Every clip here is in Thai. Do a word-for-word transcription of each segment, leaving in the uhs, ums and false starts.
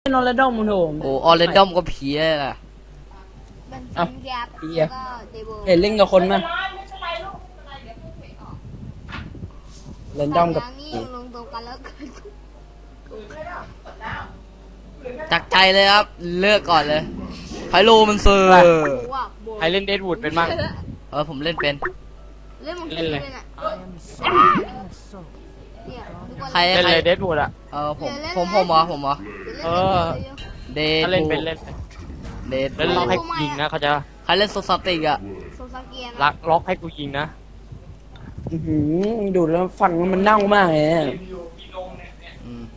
นอร์เรดอมมึงโถมโอ้ออเรนดอมก็ผีเลยล่ะเป็นซิงแกปเฮียแล้วก็เดโบเห็นเล่นกับคนมั้ยเรนดอมกับสงอย่างนี้ลงตรงกันแล้วกันจากใจเลยครับเลือกก่อนเลยไพโลมันเซอร์ว่าโบใครเล่นเดดวูดเป็นบ้างเออผมเล่นเป็นเล่นมึงเล่นเลยอ่ะเนี่ยทุกคนใครเล่นใครเลยเดดวูดอ่ะเออผมผมผมเหรอผมเหรอเออเดถ้าดเล่นเป็นเล่นเดดเล่นล็อกให้กูยิงนะเขาจะใครเล่นโซซาติกอะโซซาเกียลักล็อกให้กูยิงนะอื้อหือดูดแล้วฟันมันเน่ามากเลยอะอืม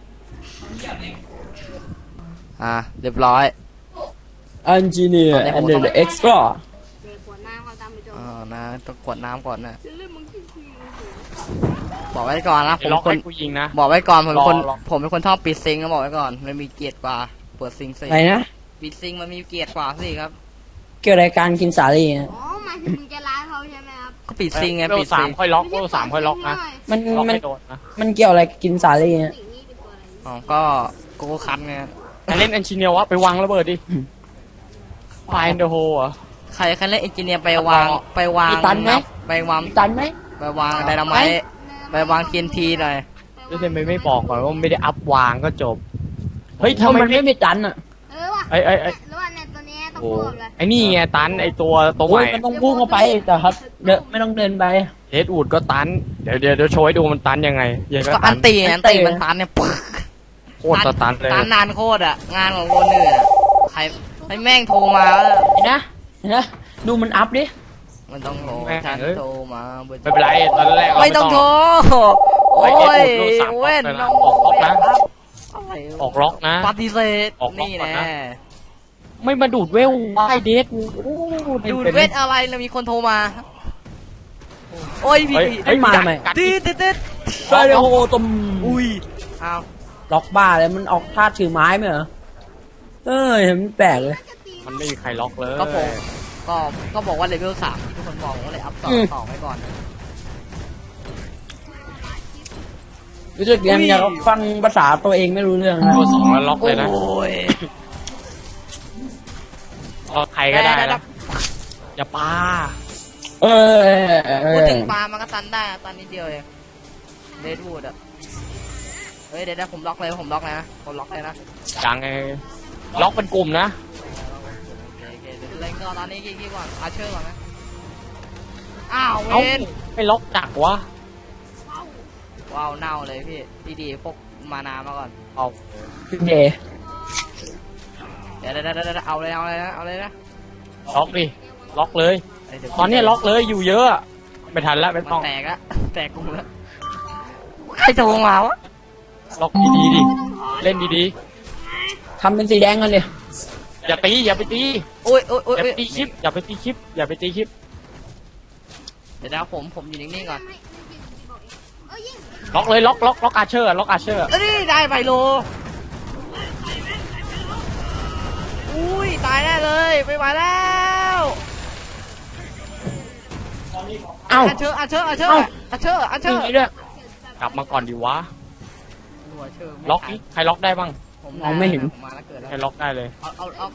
อ่ะเรียบร้อยอันจิเนียร์ตอนนี้อัผนมเดต้องอร์เอ็กซ์พลอร์เด็กหัวหน้าเขาตามไปโจมอ่านะต้องกวดน้ำก่อนนะเล่นมึงขี้คุยบอกไว้ก่อนนะผมล็อกคนให้กูยิงนะบอกไว้ก่อนผมเป็นคนรอรอผมเป็นคนชอบปิดซิงค์นะบอกไว้ก่อนมันมีเกียรติกว่าเปิดซิงค์สิอะไรนะปิดซิงค์มันมีเกียรติกว่าสิครับเกี่ยวกับการกินสาลี่นะอ๋อหมายถึงมึงจะร้ายเขาใช่ไหมครับก็ปิดซิงค์ไงเวลปิดสาซิมงค์ค่อยล็อกเวลสามค่อยล็อกนะมันล็อกมันไม่โดนนะมันเกี่ยวอะไรกับกินสาลี่นะสิ่งนี้เป็นตัวอะไรอ๋อก็โกโก้คันไงใครเล่นเอนจิเนียร์วะไปวางระเบิดดิไฟเดอะโฮอ่ะใครใครเล่นเอนจิเนียร์ไปวางต่อไปวางมีตันไหมไปวางมีตันไหมไปวางไดนาไมต์ไปวางทีนทีหน่อยแล้วทำไมไม่บอกก่อนว่าไม่ได้อัพวางก็จบเฮ้ยทำทำไมไมมันไม่ไม่มีตันอ่ะเออว่ะไอ้ไอ้ไอ้แล้วว่าเนี่ยตัวเนี้ยต้องโอ้พูดเลยไอ้นี่ไงตันไอ้ตัวตัวใหโอ้ยม่มันต้องพุ่งเข้าไปแต่ครับเดนไม่ต้องเดินไปเดดวูดก็ตันเดี๋ยวเดี๋ยวเดี๋ยวโชว์ให้ดูมันตันยังไงยังไงก็ก็อัตันนตีอันตีอันตีมันตันเนี่ยปึ๊กโคตรจะตันเลยตันนานโคตรอ่ะงานของคนอื่นอะใครให้แม่งโทรมาแล้วเห็นนะเห็นนะดูมันอัพดิมันต้องโทรฉันโทรมาเบอร์ไม่เป็นไรตอนแรกเราไม่ต้องโทรโอ้ยเว้นน้องออกล็อกนะอะไรออกล็อกนะปฏิเสธออกล็อกนี่ก่อนแน่นะ ไม่มาดูดเวลไอ้เดดวูดโอ้ดูดเวทอะไรแล้วมีคนโทรมาโอ้ยพี่เฮ้ยเอ้ยมาทำไมกัดตีเต๊ดไฟเดโฮตมอุ้ยอ้าวล็อกบ้าเลยมันออกท่าถือไม้ไหมเหรอเอ้ยมันแปลกเลยมันไม่มีใครล็อกเลยก็ผมก็ก็บอกว่าเลเวลสามที่ทุกคนบอกว่าเลยอัพต่อต่อไว้ก่อนนะรู้สึกยังอยากฟังภาษาตัวเองไม่รู้เรื่องนะตัวสองแล้วล็อกเลยนะโอ้ยล็อกใครก็ได้นะอย่าปาเออเออเอพูดอถึงปลามันก็ตันได้อะตันนิดเดียวเองเดดวูดอะเฮ้ยเดี๋ยวนะผมล็อกเลยผมล็อกนะผมล็อกเลยนะยังไงล็อกเป็นกลุ่มนะโอเคโอเคเดี๋ยวเล่นก็ตอนนี้กี่ก่อนอาเชอร์ก่อนนะอ้าวเวเอ้าน ไม่ล็อกจักวะว้าวเน่าเลยพี่ดีๆพกมานามาก่อนเอาพี่เดย์เดี๋ยวเดี๋ยวเดี๋ยวเดี๋ยวเอาเลยเอาเลยนะเอาเลยนะล็อกดิล็อกเลยเดี๋ยวตอนนี้ล็อกเลยอยู่เยอะไม่ทันแล้วไม่มัต้องนแตกละแตกกูแล้วใครโทรมาวะล็อกดีๆดิเล่นดีทำเป็นสีแดงกันเลยๆอย่าตีอย่าไปตีโอ้ยโอ้ยโอ้ยอย่าโอ้ไปยตีคลิปอย่าไปตีคลิปอย่าไปตีคลิปเดี๋ยวนะผมผมอยู่นิ่งๆก่อนเอ้ยยิงล็อกเลยล็อกล็อกล็อกอาเชอร์ล็อกอาเชอร์เอ้ยได้ไบโลอุ้ยตายแน่เลยไม่ไหวแล้วเอ้าอาเชอร์อาเชอร์อาเชอร์เอ้าอาเชอร์อาเชอมีร์นี้ด้วยกลับมาก่อนดีวะหัวเชอร์ล็อกนี่ใครล็อกได้บ้างผมมองไม่เห็นผมมาแล้วเกิดแล้วใครล็อกได้เลยเอาเอาเอา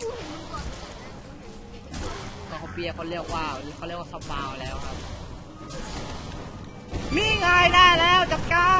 เขาเปียเขาเรียกว่าเขาเรียกว่าสปาวแล้วครับมีไงได้แล้วจัดการ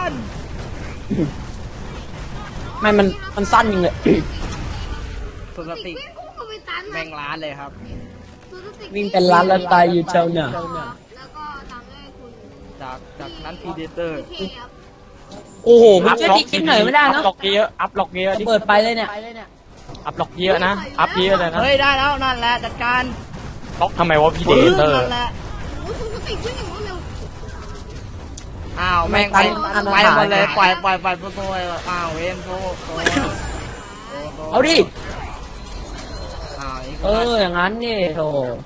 ไม่มันมันสั้นจริงเลยปกติวิ่งพุ่งเข้าไปตันแมงล้านเลยครับวิ่งเป็นล้านแล้วตายอยู่เจ้าเนี่ยแล้วก็ตามด้วยคุณจากจากนั้นพีเดเตอร์พี่เคครับโอ้โหมันช่วยพี่คิดหน่อยไม่ได้อัเนาะพล็อกเยอะอัพล็อกเยอะดิเปิดไปเลยเนี่ยอัพล็อกเยอะนะอัพเยอะเลยนะเฮ้ยได้แล้วนั่นแหละจัดการล็อกทำไมวะพี่เดเตอร์นั่นแหละโอ้ยคุณสติวิ่งอย่างรวดเร็วอ้าวแม่งไปไปหมดเลยปล่อยปล่อยปล่อยโซ่อ้าวเวนโซ่โซ่เอาดิอ้าวนี่เอออย่างนั้นนี่โธ่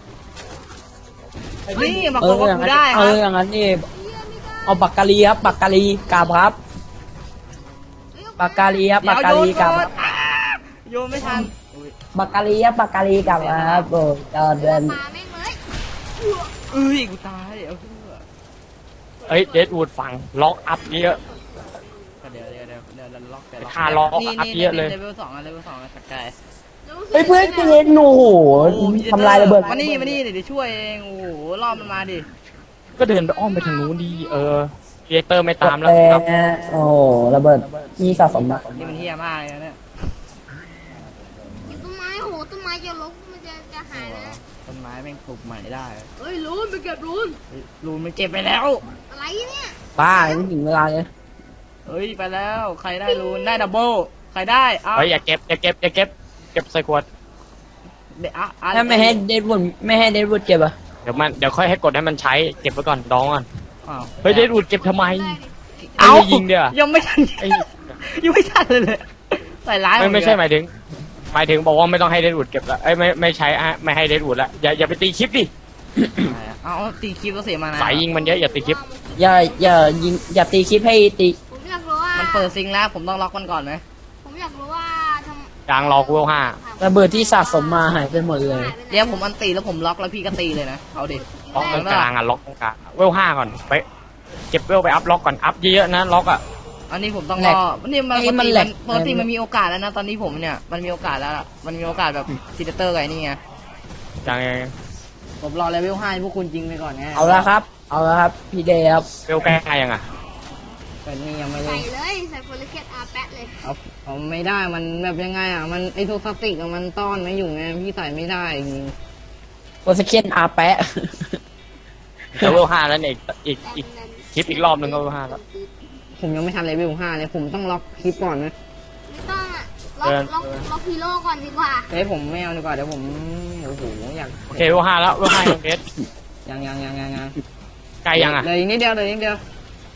นี่มาเอโกอง อย่างนั้นได้คเอรับออย่างนั้นนี่เอาปากกาลีครับปากกาลีกราบครับปากกาลีครับเดี๋ปาย กวกาโยลีนกราบโยคน รับอ่าโยนไม่ทันอุ้ยปากกาลีครับปากกาลีกราบครับโอ้ยจอดเดินปลาแม่งเลยเอ้ยกูตายเอาเถอะเอ้ยเดดวูดฝั่งล็อกอัพเยอะเดี๋ยวเดี๋ยวเดี๋ยวเดี๋ยวดี๋ยวเดี๋ยวล็อกเดี๋ยวล็อกคาล็อกนี่อัพนี่เยอะเลยเลเวลสองอะเลเวลสองอะสกายเฮ้ยเพื่อนเจนโอ้โหทำลายระเบิดมานี่มานี่เดี๋ยวช่วยเองโอ้โหรอบมันมาดิก็เดินไปอ้อมไปทางนู้นดีเออเรียเตอร์ไม่ตามแล้วแต่ครับโอ้โหระเบิดที่สะสมมานี่มันเฮี้ยมากเลยนะเนี่ยอยู่ต้นไม้โอ้โหต้นไม้จะลกมันจะจะหายแล้วต้นไม้แม่งปลูกใหม่ได้เฮ้ยรูนไปเก็บรูนเฮ้ยรูนมันเก็บไปแล้วอะไรเนี่ยบ้าไม่ถึงเวลาเลยเฮ้ยไปแล้วใครได้รูนได้ดับเบิลใครได้เอาเฮ้ยอย่าเก็บอย่าเก็บอย่าเก็บเก็บใส่ขวดเดี๋ยวอ่ะอ่ะถ้าไม่ให้เดดวูดไม่ให้เดดวูดเก็บอะเดี๋ยวมันเดี๋ยวค่อยให้กดให้มันใช้เก็บไว้ก่อนดองก่อนอ้าวเฮ้ยเดดวูดเก็บทำไมได้ดิไอ้นี่ยิงเดี๋ยวยังไม่ทันไอ้ยังไม่ทันเลยเลยใส่ร้ายไม่ไม่ใช่ผหมายถึง หมายถึงบอกว่าไม่ต้องให้เดดวูดเก็บละเอ้ยไม่ไม่ใช้อะไม่ให้เดดวูดละอย่าอย่าไปตีคลิปดิเอาตีคลิปก็เสียมานะสายยิงมันเยอะอย่าตีคลิปอย่าอย่ายิงอย่าตีคลิปให้ตีผมอยากรู้ว่ามันเปิดซิงแล้วผมต้องล็อกมันก่อนไหมผมอยากรู้ว่าทำยางรอกูเวลห้าระเบิดที่สะสมมาหายไปหมดเลยเดี๋ยวผมอันตีแล้วผมล็อกแล้วพี่ก็ตีเลยนะเอาดิล็อกตรงกลางอ่ะล็อกตรงกลางเวลห้าก่อนไปเก็บเวลไปอัพล็อกก่อนอัพเยอะๆนะล็อกอ่ะอันนี้ผมต้องแหรลกอนี่มันไอ้ปกมันติแหลมักนปกติมันมีโอกาสแล้วนะตอนนี้ผมเนี่ยมันมีโอกาสแล้วล่ะมันมีโอกาสแบบซีเดเตอร์ไงนี่ไงอย่างผมรอเลเวลห้าให้พวกคุณจริงไปก่อนไงเอาละครับ เอาละครับพี่เดย์ครับเวลแก้ยังอ่ะแต่นี่ยังไม่ได้ใส่เลยใส่โพลิเคตอาแปะเลยเอาเอาไม่ได้มันแบบยังไงอ่ะมันไอโทสติกอะมันต้อนไม่อยู่ไงพี่ใส่ไม่ได้จริงโปรสเคนอาแปะแต่เวลห้าแล้วเนี่ยอีกอีกแน่นคลิปอีกรอบหนึ่งก็เวลห้าแล้วผมยังไม่ทันเลเวลห้าเลยผมต้องล็อกคลิปก่อนนะไม่ต้องอ่ะล็อกล็อกล็อกฮีโร่ก่อนดีกว่าเฮ้ยผมไม่เอาดีกว่าเดี๋ยวผมโอ้โหอยากโอเคเวลห้าแล้วเวลห้ายังเอสยังยังยังยังยังใกล้ยังอ่ะเหลยอีกนิดเดียวเหลยอีกนิดเดียว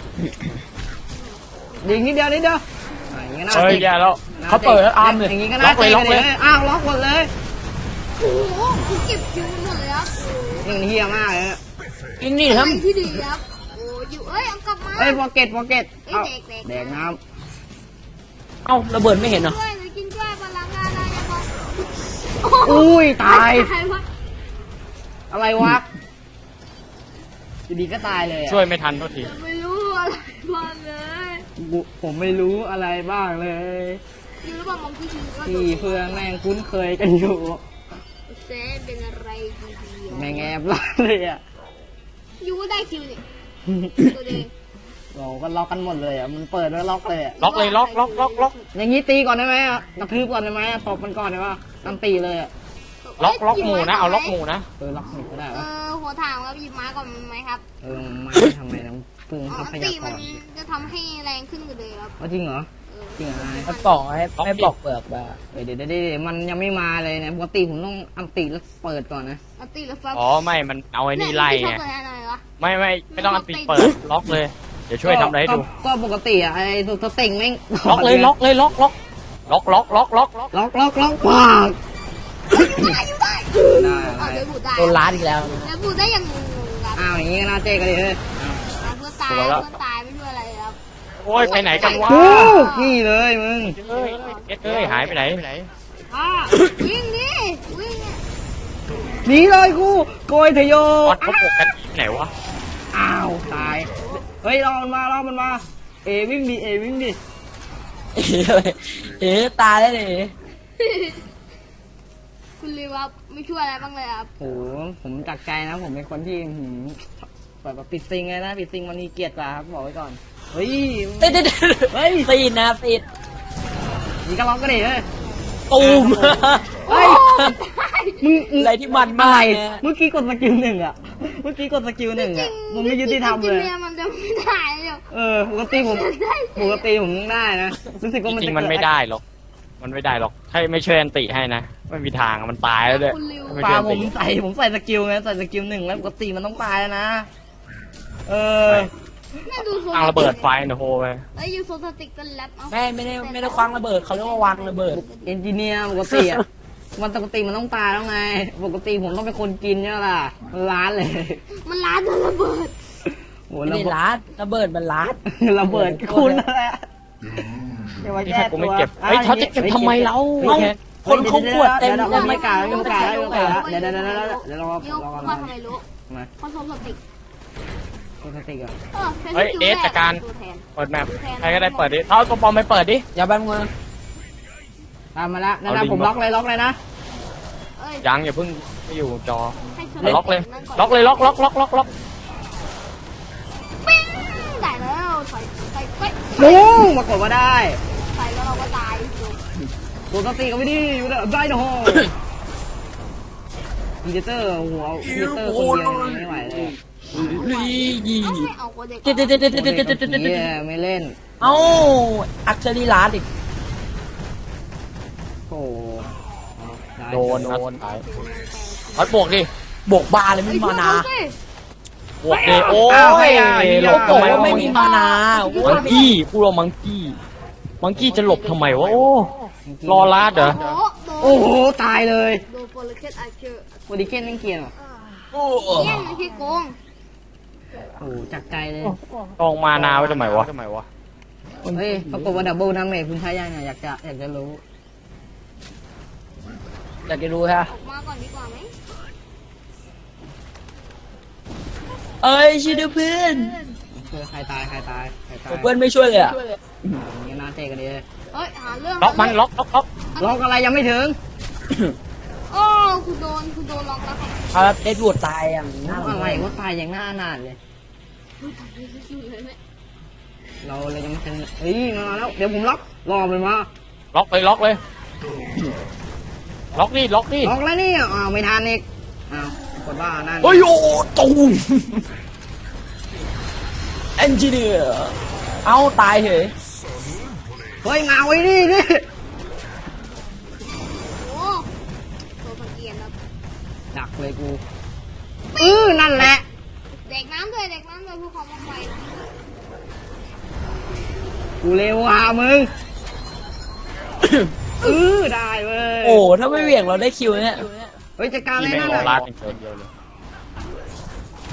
เหลยอีกนิดเดียวนิดเดียวอ่ะอย่างงี้น่าเฮ้ยติดแย่แล้วเขาเปิดแล้วอาร์มเลยอย่างงี้ก็ล็น่าอกเลยติดล็อกเลยอ้าวล็อกหมดเลยโอ้โหคุณเก็บคิวหมดเลยครับนี่มันเฮี้ยมากเลยนะอินนี่อะคไรรับที่ดีครับโอ้อยู่เอ้ยเอากลับมาเอ้ยโปเก็ตโปเก็ตเอ้เอายเด็กๆแดกน้เอ้าระเบิดไม่เห็นเหรอช่วยหรือกินช่วยพลังงานอะไรจะบอกำอุ้ยตายตายวะอะไรวะอยู่ดีก็ตายเลยอะช่วยไม่ทันทุกทีไม่รู้อะไรบ้างเลยกูผมไม่รู้อะไรบ้างเลยอยู่ระหว่างมองที่ชีก็พี่เพื่อนแม่งคุ้นเคยกันอยู่เซนเป็นอะไรดีๆแม่งแอบล้านเลยอ่ะอยู่ก็ได้คิวนี่ตัวเองเราก็ล็อกกันหมดเลยอ่ะมันเปิดแล้วล็อกเลยอ่ะล็อกเลยล็อกล็อกล็อกล็อกอย่างงี้ตีก่อนได้ไหมอ่ะกระทืบก่อนได้ไหมอ่ะตบมันก่อนได้ปะตั้ตีเลยอ่ะล็อกล็อกหมู่นะเอาล็อกหมู่นะเออล็อกหนึ่งก็ได้เอปะอหัวถามครับหยิบไม้ก่อนไหมครับเออไม่ทำไมต้องปรุงอ๋อทรัพตียากมันรจะทำให้แรงขึ้นกว่าเดิมครับเอาจริงเหรอเออจริงเหรอให้ปอกให้ให้ปอกเปลือกมาเดี๋ยวเดี๋ยวเดี๋ยวเดี๋ยวมันยังไม่มาเลยนะปกติผมต้องอันตีแล้วเปิดก่อนนะเอาตีแล้วฟังอ๋อไม่มันเอาไอ้นี่ไล่ชอไงบตัวไหนวะไม่ไม่ไม่ต้องอันติเปิดล็อกเลยเดี๋ยวช่วยทำอะไรให้ดูก็ก็ปกติอ่ะไอ้ตัวสเต็งแม่งล็อกเลยล็อกเลยล็อกล็อกล็อกล็อกล็อกล็อกล็อกล็อกล็อกล็อกปากได้อยู่ได้ได้เอาได้เดี๋ยวบูดได้โดนล้านอีกแล้วเดี๋ยวบูดได้อย่างงงๆครับอ้าวอย่างงี้ก็น่าเจ๊กันเลยเฮ้ยเอาเพื่อตายเพื่อตายไม่ช่วยอะไรครับโอ้ยไปไหนกันวะโอ้นี่เลยมึงเอ้ยเอ็ดเอ้ยหายไปไหนไปไหนอ่าวิ่งดิวิ่งเนี่ยหนีเลยกูโกยเถอะโยออดเขาปกกันที่ไหนวะอ้าวตายเฮ้ยรอมันมารอมันมาเอวิ่งดิเอวิ่งดิเอ๋ตายได้เลยคุณลีวับไม่ช่วยอะไรบ้างเลยครับโหผมจากใจนะ ผมเป็นคนที่หืมแบบว่าปิดซิงเลยนะปิดซิงมันมีเกียรติกว่าครับบอกไว้ก่อนเฮ้ยติดติดเฮ้ยตีนนะติดนี่ก็ล็อกก็ดิเฮ้ยตูมเฮ้ยมึงมึงอะไรที่มันอะมากไรเนี่ยเมื่อกี้กดสกิลหนึ่งอ่ะเมื่อกี้กดสกิลหนึ่งอ่ะมันไม่ยุติธรรมเลยจงๆมันจะไม่ได้เลยเออปกติผมปกติผมยังได้นะรู้สึกว่ามันจริจะงๆมันไม่ได้หรอกมันไม่ได้หรอกถ้าไม่ช่วยอันติให้นะไม่มีทางมันตายแล้วด้วยคุณลิวไม่ปลาช่วยอันผติมใส่ผมใส่สกิลไงใส่สกิลหนึ่งแล้วปกติมันต้องตายแล้วนะ เออแม่ดูโซตั้งระเบิดไฟนะโฮไปเอ้ยยูโซสติกเป็นแรปเอาไม่ไม่ได้ไม่ได้คว้างระเบิดเขาเรียกว่าวางระเบิดเอนจิเนียร์ปกติอ่ะมันปกติมันต้องตายแล้วไง ปกติผมต้องเป็นคนกินเนี่ยล่ะมันล้านเลยมันล้านโดนระเบิดโหไม่ระได้เบิดล้านระเบิดมันล้านระเบิดคุณนั่นแหละอย่ามานี่แก้ถ้ากูตัวไม่เก็บเฮ้ยเขาจะเก็บทำไมเราเอ้า คนเขาขวดเต็มเดี๋ยวยัเรางไม่ไม่กกล้าล้าไม่กล้าไม่กล้าเดี๋ยวเดี๋ยวเดี๋ยวเดี๋ยวเราเดี๋ยวเราว่าทำไมรู้มาเพราะโซสติกโหตัวสติกอะเออเป็นเฮ้ยสกิลเอสแจัดการตัวแทนเปิดแมปใครก็ได้เปิดดิเอาตัวปลอมไปเปิดดิอย่าแป๊บนึงตามมาแล้วนั่นเอานะลิงผมล็อกเลยล็อกเลยนะเอ้ยยังอย่าเพิ่งไม่อยู่จอให้ชนล็อกเลยนั่นนล็อกเลยล็อกล็อกล็อกล็อกล็อกปิ้งได้แล้วใส่ใส่ใส่โอ้มากดว่าได้ใส่แล้วเราก็ตายจบตัวสติกก็ไม่ดีอยู่แล้วได้นะโฮพีเตอร์หัวพีเตอร์คนเดียวยังไม่ไหวเลยลียี่เอาให้เอาคนเด็กเด็ดเด็ดเด็ดเด็ดเด็เด็กดกับเด็ดเด็ดผีเด็ดอะไม่เล่นเอ้าอักเชอรีลาดอีกโอ้ได้โดนนัดสุดท้ายพัดบวกดิบวกบาเลยไม่มีมานาบวกดิโอ้ยหลบโอ้ทำไมโหวะไม่มีมานาโอ้โหมังกี้พูดว่ามังกี้มังกี้จะหลบทำไมวะโอ้รอลาดเหรอโอ้โหโอ้โหตายเลยโดนโปรเลเคตอาร์เชอร์โอดิเคนไม่เกียร์หรอโอ้โหเยี่ยนไม่ใช่โกงโอ้จากใจเลยกองมานาไว้ทำไมวะเฮ้ยปรากฏว่าดับเบิลดาเมจคุณใช้ยังไงอยากจะอยากจะรู้อยากจะรู้ฮะออกมาก่อนดีกว่าไหมเอ้ยช่วยด้วยเพื่อนคือใครตายใครตายใครตายเพื่อนไม่ช่วยเลยอ่ะนี่น่าเตะกันดีเลยเฮ้ยหาเรื่องล็อกมันล็อกล็อกล็อกล็อกอะไรยังไม่ถึงโอ้คุณโดนคุณโดนล็อกแล้วครับครับเด็ดวดตายอย่างน่าอะไรว่าตายอย่างหน้าหนาดเลยอุ้ยตายเลยสุดเลยแม่เราเลยยังไม่ทันเฮ้ยมาแล้วเดี๋ยวผมล็อกรอมันมาล็อกเลยล็อกเลยล็อกดิล็อกดิล็อกแล้วนี่อ้าวไม่ทันอีกอ้าวกดว่านั่นเฮ้ยโอ้ตูมเอนจิเนียร์เอาตายเหรอเฮ้ยมาไว้ดิดิโอ้ตัวพันเกียนครับดักเลยกูเออนั่นแหละเด็กน้ำด้วยเด็กน้ำด้วยผู้ของมาไฟกูเร็วอ่ะมึงเออได้เว้ยโอ้ถ้าไม่เหวี่ยงเราได้คิวเนี่ยเฮ้ยจัดการเลที่ยไม่นั่นรอน่ะลาดอย่างเดียวเลย